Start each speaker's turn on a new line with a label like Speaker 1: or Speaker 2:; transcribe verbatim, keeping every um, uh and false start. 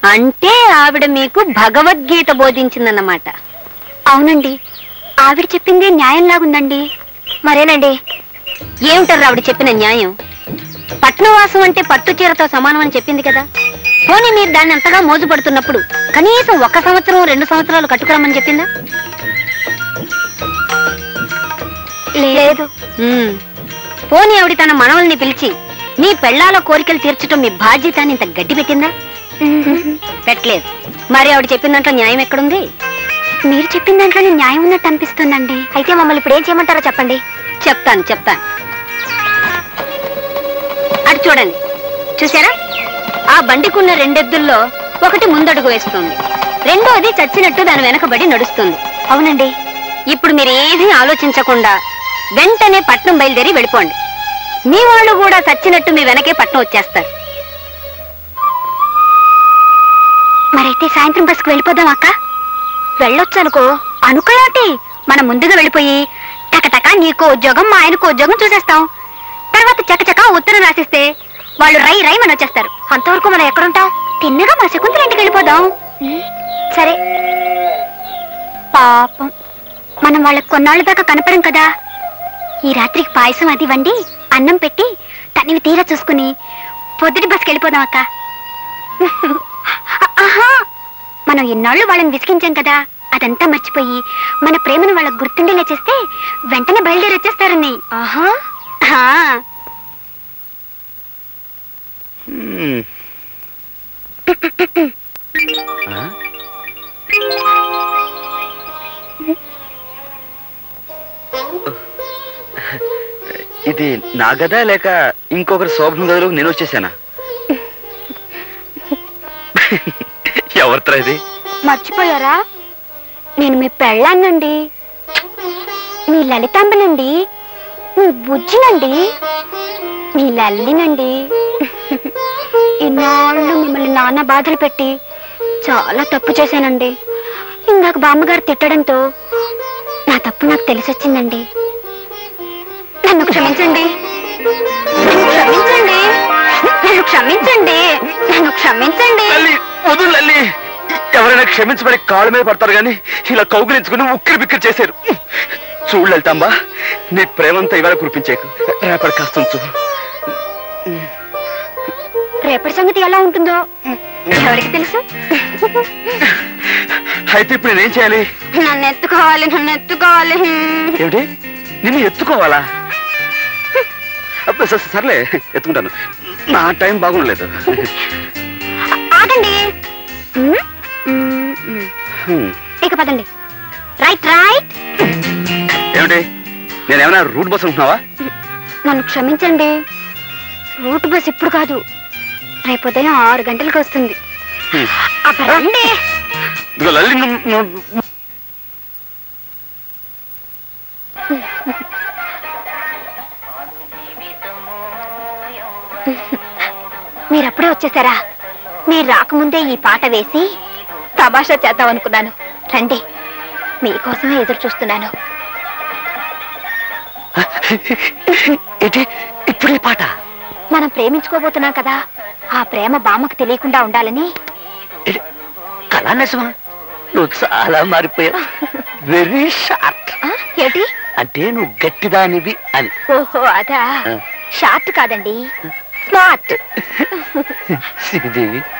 Speaker 1: అంటే ఆవిడ మీకు భగవద్గీత బోధించిందన్నమాట.
Speaker 2: అవునండి, ఆవిడ చెప్పింది న్యాయంలాగుందండి. మరేనండి,
Speaker 1: ఏమిటారు ఆవిడ చెప్పిన న్యాయం? పట్నవాసం అంటే పట్టు చీరతో సమానం అని చెప్పింది కదా. పోనీ మీరు దాన్ని అంతగా మోజుపడుతున్నప్పుడు కనీసం ఒక సంవత్సరం రెండు సంవత్సరాలు కట్టుకురమ్మని చెప్పిందా?
Speaker 2: లేదు.
Speaker 1: పోనీ ఆవిడ తన మనవల్ని పిలిచి నీ పెళ్లాల కోరికలు తీర్చడం మీ బాధ్యత అని ఇంత గడ్డి పెట్టిందా? పెట్టలేదు. మరి ఆవిడ చెప్పిన దాంట్లో న్యాయం ఎక్కడుంది?
Speaker 2: మీరు చెప్పిన దాంట్లోనే న్యాయం ఉన్నట్టు అనిపిస్తుందండి. అయితే మమ్మల్ని ఇప్పుడు ఏం చేయమంటారో చెప్పండి.
Speaker 1: చెప్తాను చెప్తాను అటు చూడండి. చూసారా, ఆ బండికున్న రెండెద్దుల్లో ఒకటి ముందడుగు వేస్తుంది, రెండోది చచ్చినట్టు దాని వెనకబడి నడుస్తుంది.
Speaker 2: అవునండి.
Speaker 1: ఇప్పుడు మీరు ఏమీ ఆలోచించకుండా వెంటనే పట్నం బయలుదేరి వెళ్ళిపోండి. మీ వాళ్ళు కూడా చచ్చినట్టు మీ వెనకే పట్నం వచ్చేస్తారు.
Speaker 2: మరైతే సాయంత్రం బస్కు వెళ్ళిపోదాం అక్క. వెళ్ళొచ్చు అనుకో. అనుకోయాటి, మనం ముందుగా వెళ్ళిపోయి టకటక నీకో ఉద్యోగం మా ఆయనకో ఉద్యోగం చూసేస్తాం. తర్వాత చకచక ఉత్తరం రాసిస్తే వాళ్ళు రై రై మన వచ్చేస్తారు. అంతవరకు మనం ఎక్కడుంటాం? తిన్నగా మా శకుంతల ఇంటికి వెళ్ళిపోదాం. సరే. పాపం, మనం వాళ్ళకి కొన్నాళ్ళ దాకా కనపడం కదా. ఈ రాత్రికి పాయసం అది వండి అన్నం పెట్టి తనివి తీరా చూసుకుని పొద్దుటి బస్కి వెళ్ళిపోదాం అక్క. ఆహా, మనం ఎన్నాళ్ళు వాళ్ళని విసిగించాం కదా, అదంతా మర్చిపోయి మన ప్రేమను వాళ్ళకు గుర్తుండేలా చేస్తే వెంటనే బయలుదేరి వచ్చేస్తారని.
Speaker 1: ఆహా,
Speaker 3: ఇది నా గదా లేక ఇంకొకరి శోభన గదిలో నేను వచ్చేసానా? ఎవరితో ఇది?
Speaker 2: మర్చిపోయారా? నేను మీ పెళ్ళాన్నండి, మీ లలితాంబనండి, మీ బుజ్జినండి, మీ లల్లినండి. ఇన్నాళ్ళు మిమ్మల్ని నాన్న బాధలు పెట్టి చాలా తప్పు చేశానండి. ఇందాక బామ్మగారు తిట్టడంతో నా తప్పు నాకు తెలిసొచ్చిందండి. నన్ను క్షమించండి, నన్ను క్షమించండి, నన్ను క్షమించండి, నన్ను క్షమించండి.
Speaker 3: వదులు లల్లి, ఎవరైనా క్షమించబడి కాళ్ళ మీద పడతారు గాని ఇలా కౌగులించుకుని ఉక్కిరి బిక్కిరి చేశారు. చూడు లలితాంబా, నీ ప్రేమంతా ఇవాళ కురిపించేకు, రేపటి కాస్త ఉంచు.
Speaker 2: రేపటి సంగతి ఎలా ఉంటుందో ఎవరికి తెలుసు?
Speaker 3: అయితే ఇప్పుడు నేనేం చేయాలి?
Speaker 2: నన్ను ఎత్తుకోవాలి, నన్ను ఎత్తుకోవాలి.
Speaker 3: ఏమిటి, నిన్ను ఎత్తుకోవాలా? సర్లే, ఎత్తుకుంటాను. నా టైం బాగుండలేదు.
Speaker 2: ఆగండి, ఇక పదండి. Right right.
Speaker 3: ఏమిటి, నేనేమైనా రూట్ బస్ ఉంటున్నావా?
Speaker 2: నన్ను క్షమించండి, రూట్ బస్ ఇప్పుడు కాదు, రేపు ఉదయం ఆరు గంటలకు వస్తుంది. రండి. మీరప్పుడే వచ్చేసారా? మీరు రాకముందే ఈ పాట వేసి తమాషా చేద్దాం అనుకున్నాను. రండి, మీకోసమే ఎదురు చూస్తున్నాను.
Speaker 3: ఇప్పుడు ఈ పాట?
Speaker 2: మనం ప్రేమించుకోబోతున్నాం కదా, ఆ ప్రేమ బామ్మకు తెలియకుండా ఉండాలని.
Speaker 3: కళానిజమా? నువ్వు చాలా మారిపోయావు. Very short.
Speaker 2: ఏంటి
Speaker 3: అంటే నువ్వు గట్టిదానివి అని.
Speaker 2: ఓహో, అదా. షార్ట్ కాదండి, స్మార్ట్.
Speaker 3: శ్రీదేవి,